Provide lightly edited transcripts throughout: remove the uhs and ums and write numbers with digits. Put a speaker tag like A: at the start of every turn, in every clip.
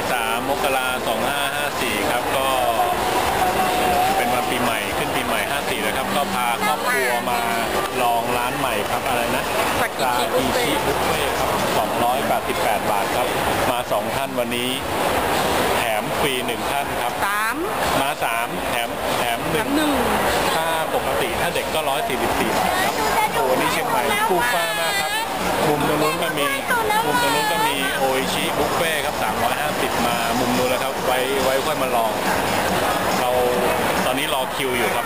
A: 3 มกราคม 2554 ครับก็เป็นวันปีใหม่ขึ้นปีใหม่ 54 นะครับก็พาครอบครัวมาลองร้านใหม่ครับอะไรนะซากิชิบุฟเฟ่ครับ288 บาทครับมา2ท่านวันนี้แถมฟรี1ท่านครับมา3แถม1ถ้าปกติถ้าเด็กก็144 บาทครับโอ้นี่เชียงใหม่คู่ฟ้ามากครับมุมตรงนู้นก็มีโออิชิบุฟเฟ่ครับ350มามุมนู้นแล้วครับไว้ค่อยมาลองเราตอนนี้รอคิวอยู่ครับ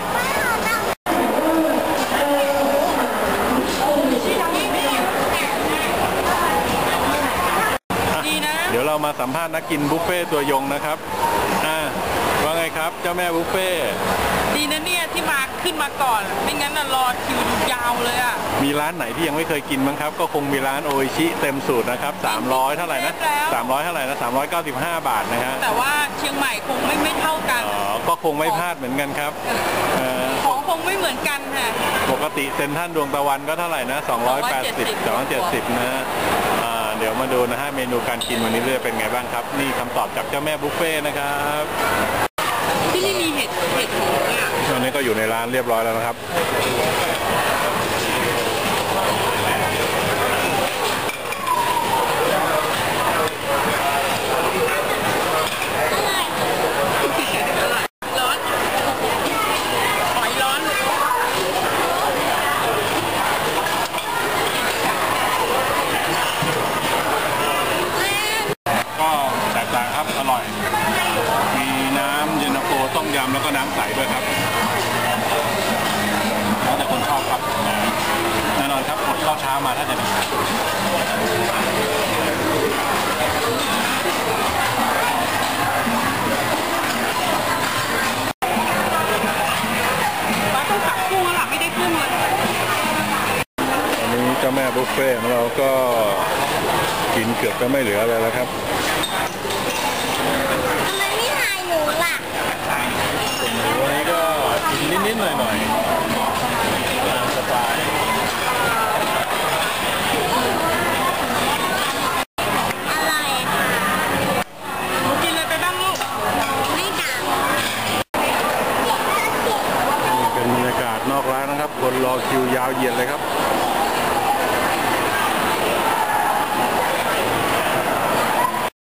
A: เดี๋ยวเรามาสัมภาษณ์นักกินบุฟเฟ่ตัวยงนะครับว่าไงครับเจ้าแม่บุฟเฟ่
B: ดีนะเนี่ยที่มาขึ้นมาก่อนไม่งั้นน่ะรอคิวยาวเลยอ่ะ
A: มีร้านไหนที่ยังไม่เคยกินบ้างครับก็คงมีร้านโออิชิเต็มสูตรนะครับ300เท่าไหร่นะ300เท่าไหร่นะ395 บาทนะฮะ
B: แต่ว่าเชียงใหม่คงไม่เท่ากัน
A: ก็คงไม่พลาดเหมือนกันครับ
B: ของคงไม่เหมือนกันค่ะ
A: ปกติเซ็นทรัลดวงตะวันก็เท่าไหร่นะ280 270นะเดี๋ยวมาดูนะฮะเมนูการกินวันนี้จะเป็นไงบ้างครับนี่คำตอบจากเจ้าแม่บุฟเฟ่นะครับ
B: ที่นี่มีเห็ดหมูเนี่ย
A: ตอนนี้ก็อยู่ในร้านเรียบร้อยแล้วนะครับอร่อยมีน้ำเย็นตาโฟต้มยำแล้วก็น้ำใสด้วยครับแล้วแต่คนชอบครับแน่นอนครับอดข้าวเช้ามาถ้าจะดี
B: ว่าต้องตักกุ้งแล้วล่ะไม่ได้กุ้งเลย
A: อันนี้เจ้าแม่บุฟเฟ่ของเราก็กินเกือบจะไม่เหลืออะไรแล้วครับวันนี้ก็กินนิดๆหน่อยๆตามสไตล์
B: อะไรกินอะไรไปบ้างลูกไม่ต่าง
A: นี่เป็นบรรยากาศนอกร้านนะครับคนรอคิวยาวเหยียดเลยครับ